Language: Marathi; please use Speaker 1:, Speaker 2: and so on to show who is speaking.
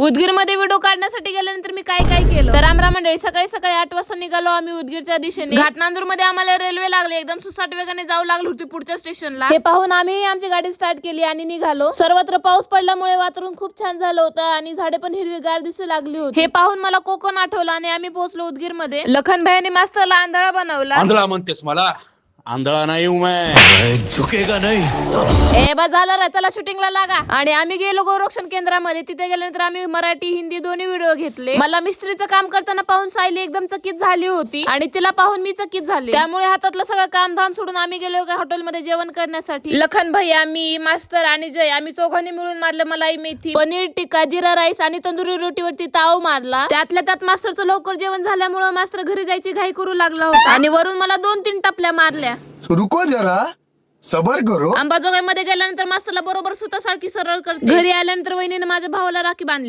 Speaker 1: उदगीरमध्ये व्हिडिओ काढण्यासाठी गेल्यानंतर मी काय काय केलं तर रामराम मंडळी, सकाळी सकाळी 8 वाजता निघालो आम्ही उदगीरच्या दिशेने. घाटनांदूर मध्ये आम्हाला रेल्वे लागली, एकदम सुसाट वेगाने जाऊ लागली होती पुढच्या स्टेशनला. हे पाहून आम्ही आमची गाडी स्टार्ट केली आणि निघालो. सर्वत्र पाऊस पडल्यामुळे वातावरण खूप छान झालं होतं आणि झाडे पण हिरवीगार दिसू लागली होती. हे पाहून मला कोकण आठवलं आणि आम्ही पोहोचलो उदगीर मध्ये. लखन भाईने मास्तरला आंधळा बनवला.
Speaker 2: आंधळा म्हणतेस मला? आंधळा नाही हूं मैं, झुकेगा नहीं.
Speaker 1: ए बस झालं रे, चला शूटिंगला लागा. आणि आम्ही गेलो गोरक्षण केंद्रामध्ये. तिथे गेल्यानंतर आम्ही मराठी हिंदी दोन्ही व्हिडिओ घेतले. मला मिस्त्रीचं काम करताना पाहून सायली एकदम चकित झाली होती आणि तिला पाहून मी चकित झाले. त्यामुळे हातातलं सगळं काम धाम सोडून आम्ही गेलो एका हॉटेलमध्ये जेवण करण्यासाठी. लखन भैया, मी, मास्तर आणि जय आम्ही चौघांनी मिळून मारलं मलाई मेथी, पनीर टिक्का, जिरा राईस आणि तंदुरी रोटीवरती ताव मारला. त्यातल्या त्यात मास्तरचं लवकर जेवण झाल्यामुळे मास्तर घरी जायची घाई करू लागला होता आणि वरून मला 2-3 टपल्या मारल्या.
Speaker 3: रुको जरा, सबर करो.
Speaker 1: अंबाजोगाई मध्ये गेल्यानंतर मास्तरला बरोबर सुतासारखी सरळ करते. घरी आल्यानंतर वहिनीने माझ्या भावाला राखी बांधली.